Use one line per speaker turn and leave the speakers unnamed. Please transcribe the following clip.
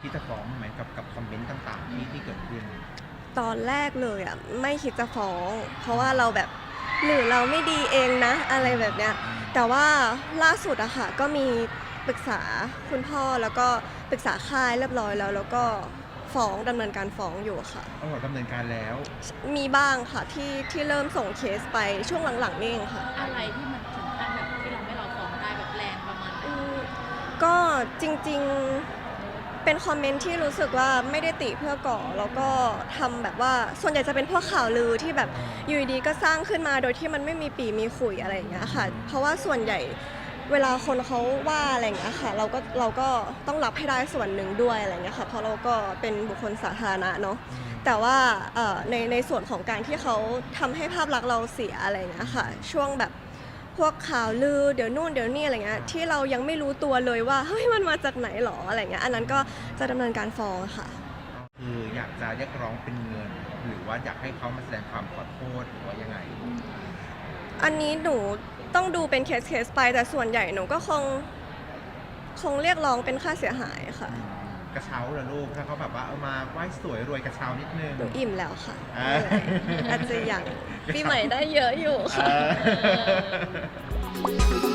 ที่จะฟ้องไหมกับคอมเมนต์ต่างๆที่เกิดขึ้น
ตอนแรกเลยอ่ะไม่คิดจะฟ้องเพราะว่าเราแบบหรือเราไม่ดีเองนะอะไรแบบเนี้ยแต่ว่าล่าสุดอะค่ะก็มีปรึกษาคุณพ่อแล้วก็ปรึกษาค่ายเรียบร้อยแล้วก็ฟ้องดำเนินการฟ้องอยู่ค่ะ
ดำเนินการแล้ว
มีบ้างค่ะที่เริ่มส่งเคสไปช่วงหลังๆนี่เองค่ะ
อะไรที่มันถึงขั้นแบบที่เราไม่เราฟ้องได้แบบแรงประมาณไหน
ก็จริงๆเป็นคอมเมนต์ที่รู้สึกว่าไม่ได้ติเพื่อก่อแล้วก็ทำแบบว่าส่วนใหญ่จะเป็นพวกข่าวลือที่แบบอยู่ดีๆก็สร้างขึ้นมาโดยที่มันไม่มีปีมีขุยอะไรอย่างเงี้ยค่ะเพราะว่าส่วนใหญ่เวลาคนเขาว่าอะไรอย่างเงี้ยค่ะเราก็ต้องรับให้ได้ส่วนหนึ่งด้วยอะไรอย่างเงี้ยค่ะเพราะเราก็เป็นบุคคลสาธารณะเนาะแต่ว่าในส่วนของการที่เขาทำให้ภาพลักษณ์เราเสียอะไรอย่างเงี้ยค่ะช่วงแบบพวกข่าวลือเดี๋ยวนู่นเดี๋ยวนี่อะไรเงี้ยที่เรายังไม่รู้ตัวเลยว่าเฮ้ยมันมาจากไหนหรออะไรเงี้ยอันนั้นก็จะดำเนินการฟ้องค่ะ
คืออยากจะเรียกร้องเป็นเงินหรือว่าอยากให้เขามาแสดงความขอโทษหรือว่ายังไง
อันนี้หนูต้องดูเป็นเคสไปแต่ส่วนใหญ่หนูก็คงเรียกร้องเป็นค่าเสียหายค่ะ
กระเช้าเหรอลูกถ้าเขาแบบว่าเอามาไหว้สวยรวยกระเช้านิดนึง
หนูอิ่มแล้วค่ะอาจจะอย่างปีใหม่ได้เยอะอยู่ค่ะ